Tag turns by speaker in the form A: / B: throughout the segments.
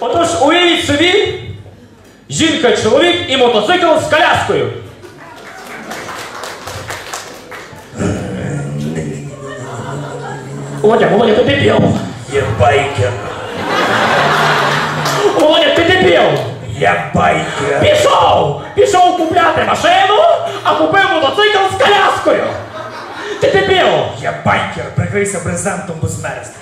A: Отож, уявіть собі, жінка, чоловік і мотоцикл з коляскою. Володя, ти дебіл.
B: Я байкер.
A: Володя, ти дебіл.
B: Я байкер.
A: Пішов купляти машину, а купив мотоцикл з коляскою. Ти дебіл.
B: Я байкер. Прикрийся брезентом, бо змерзнеш.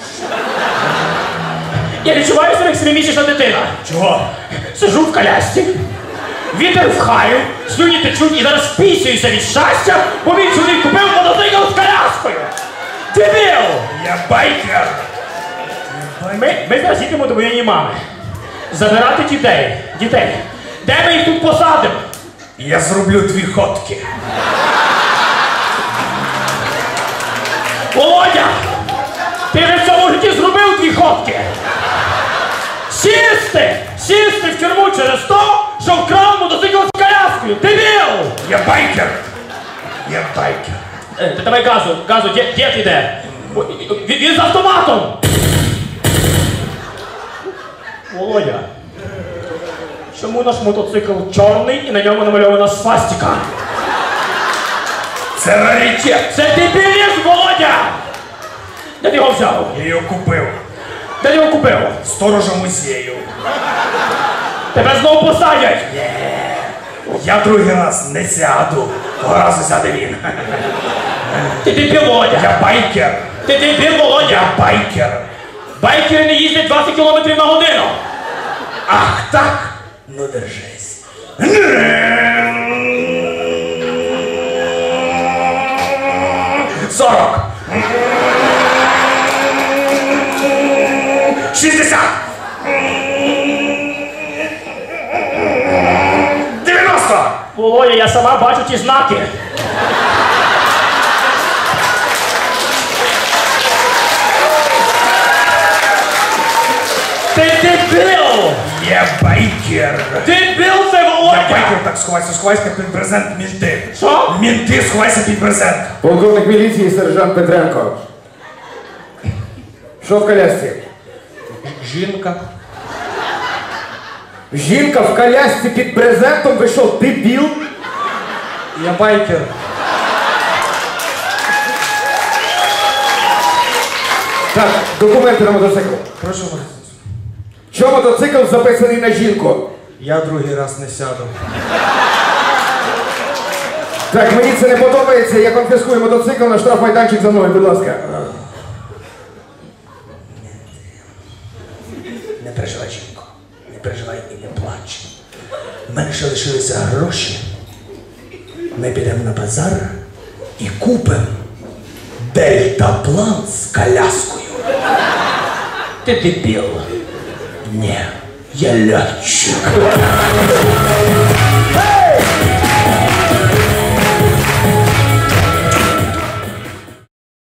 A: Я відчуваю себе як 7-місячна дитина.
B: Чого?
A: Сижу в колясці, вітер в хаю, слюні течуть і зараз пісююся від щастя, бо мій чоловік купив мотоцикл з коляскою. Дебіл!
B: Я байкер.
A: Ми зараз їдемо до моєї мами. Забирати дітей. Де ми їх тут посадимо?
B: Я зроблю 2 ходки.
A: Володя! Ти вже в цьому житті зробив 2 ходки. Сісти в тюрму через то, що вкрав мотоцикл з коляскою. Дебіл!
B: Я байкер. Я байкер.
A: Ти давай газу, дід іде. Він з автоматом. Володя, чому наш мотоцикл чорний і на ньому намальована свастика?
B: Це раритет.
A: Це дебілізм, Володя! Де ти його взяв?
B: Я його купив.
A: Де ти його купив?
B: Сторожа музею.
A: Тебе знову посадять!
B: Я другий раз не сяду. Того разу сяде він.
A: Ти дебіл, Володя!
B: Я байкер.
A: Ти дебіл, Володя!
B: Я байкер.
A: Байкери не їздять 20 км на годину!
B: Ах так? Ну держись. 40. 60. 90.
A: Володя, я сама бачу ті знаки. Ти дебіл!
B: Я байкер.
A: Дебіл це, Володя!
B: Я байкер, так сховайся під брезент, мінти.
A: Що?
B: Мінти, сховайся під брезент.
C: Полковник міліції сержант Петренко. Що в колясці?
A: Жінка.
C: Жінка в колясці під брезентом, ви що, дебіл?
A: Я байкер.
C: Так, документи на мотоцикл.
B: Прошу вас.
C: Що мотоцикл записаний на жінку?
B: Я другий раз не сяду.
C: Так, мені це не подобається, я конфіскую мотоцикл на штрафмайданчик за мною, будь ласка.
B: Не переживай, жінко. Не переживай і не плач. У мене ще лишилися гроші. Ми підемо на базар і купимо дельтаплан з коляскою.
A: Ти дебіл.
B: Ні, я льотчик.